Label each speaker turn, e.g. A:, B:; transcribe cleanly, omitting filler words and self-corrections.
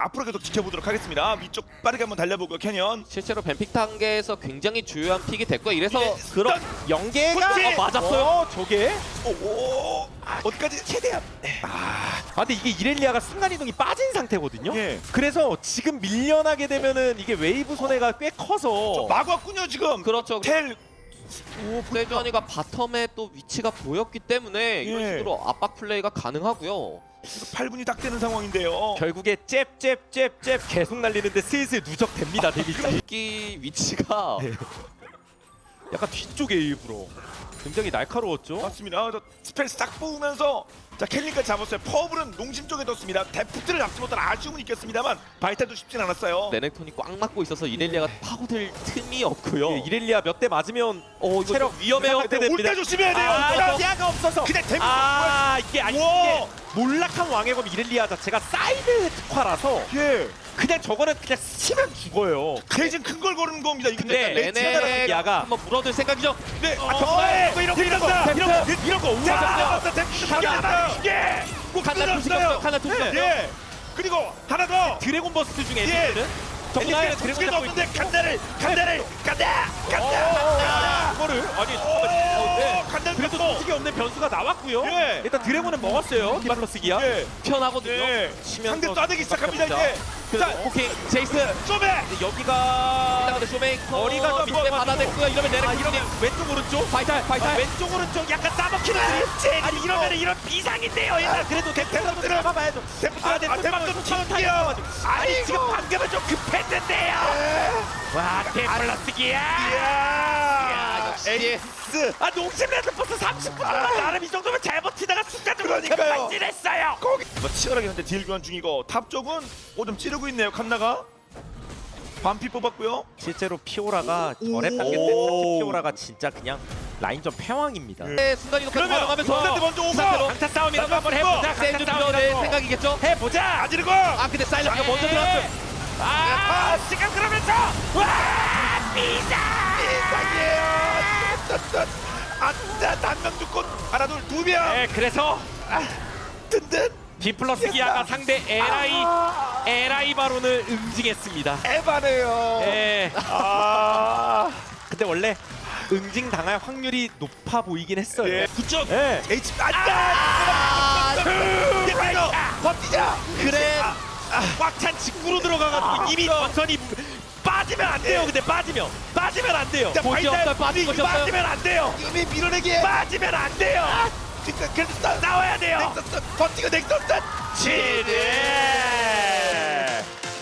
A: 앞으로 계속 지켜보도록 하겠습니다. 위쪽 빠르게 한번 달려보고 캐년.
B: 실제로 뱀픽 단계에서 굉장히 주요한 픽이 됐고 이래서
A: 예,
B: 그런
A: 연계가
B: 맞았어요.
C: 저게
A: 오, 어디까지 최대한.
C: 근데 이게 이렐리아가 순간이동이 빠진 상태거든요.
A: 예.
C: 그래서 지금 밀려나게 되면은 이게 웨이브 손해가 꽤 커서
A: 마구 왔군요 지금.
B: 그렇죠.
A: 텔.
B: 세주환이가 바텀에 또 위치가 보였기 때문에 이런
A: 예.
B: 식으로 압박 플레이가 가능하고요.
A: 8분이 딱 되는 상황인데요.
C: 결국에 잽 계속 날리는데 슬슬 누적됩니다. 데미지.
B: 이 위치가
C: 네. 약간 뒤쪽에 일부러 굉장히 날카로웠죠.
A: 맞습니다. 저 스펠 싹 뽑으면서 자 켈리까지 잡았어요. 퍼블은 농심 쪽에 뒀습니다. 데프트를 잡지 못한 아쉬움은 있겠습니다만 바이탈도 쉽진 않았어요.
B: 레넥톤이 꽉 막고 있어서 이렐리아가 파고들 틈이 없고요.
C: 예, 이렐리아 몇 대 맞으면
B: 이거
C: 체력
B: 위험해요.
C: 상태 됩니다.
A: 올때 조심해야 돼요.
C: 아, 시야가 없어서
A: 그냥 데미지.
C: 이게 아니
A: 우와.
C: 이게 몰락한 왕의 검 이렐리아 자체가 사이드 특화라서
A: 예.
C: 그냥 저거는 그냥 치면 죽어요.
A: 대신 큰 걸 거는 겁니다. 이거
C: 근데
A: 레치에다가
B: 레넥
C: 야가.
B: 한번 물어줄 생각이죠.
A: 네.
C: 정말 이런 거 우와.
A: 이게 꼭
B: 칸나 투시켰어요. 칸나 투시.
A: 예. 그리고 하나 더.
C: 드래곤 버스트 중에
A: 예.
C: 에디는
A: 정말
C: 드래곤
A: 드래곤
C: 잡고
A: 없는데 간다.
C: 이거를 아니
A: 간다.
C: 그래도 솔직히 없는 변수가 나왔고요.
A: 예.
C: 일단 드래곤은 먹었어요. 디플러스 기아.
A: 예.
B: 편하거든요.
A: 예.
C: 치면서
A: 상대 쏴대기 시작합니다 이제.
B: 그래서
A: 자,
B: 오케이 제이스.
A: 좀해.
C: 근데 여기가
B: 일단 근데 쇼메이커
C: 머리가 좀
B: 밑에 받아냈고요. 이러면 레넥
C: 이러면 왼쪽 오른쪽
B: 바이탈 바이탈.
C: 왼쪽 오른쪽 약간 싸먹히는 아니 이러면 이런 비상인데요. 일단 그래도 대표도 들어가봐야죠. 대표도
A: 튀겨.
C: 아니 지금 방금은 좀 급했는데요. 와 디플러스 기아.
A: 이야.
B: 역시.
A: 에이스.
C: 농심 레드버스 30분 동안 나름 이 정도면 잘 버티다가 순간적으로
A: 그러니까요.
C: 급발진했어요.
A: 거기 뭐 치열하게 현재 딜 교환 중이고 탑 쪽은 좀 찌르고 있네요. 칸나가 반피 뽑았고요.
C: 실제로 피오라가 저랩 단계 때
A: 오.
C: 피오라가 진짜 그냥 라인전 패왕입니다.
B: 네, 순간 이동까지
A: 그러면
B: 활용하면서
A: 상대 먼저 오고
B: 상태로
C: 강타 싸움이라도 한번 해보자.
B: 세주 들어낼 생각이겠죠?
C: 해보자.
A: 아지르고.
B: 근데 사일러가 먼저 들어왔어요.
C: 지금 그러면서 와 비상.
A: 이상해요. 단명 죽고 하나 둘 명.
C: 네, 그래서
A: 든든.
C: 디플러스 기아가 상대 에라이 바론을 응징했습니다.
A: 에바네요.
C: 예.
A: 아.
C: 근데 원래 응징 당할 확률이 높아 보이긴 했어요.
A: 예. 9점.
C: 예.
A: H 안다. 이거 버티자.
B: 그래.
C: 꽉찬 직구로 들어가가지고 이미 전선이 빠지면 안 돼요. 근데 빠지면 안 돼요.
A: 자,
B: 볼지
A: 바이탈
B: 없어요. 빠진 것이 없어요.
C: 빠지면 안 돼요.
A: 이미 밀어내기.
C: 빠지면 안 돼요.
A: 그래도
C: 싸워야 돼요.
A: 넥서스 버티고 넥서스.
C: 지뢰.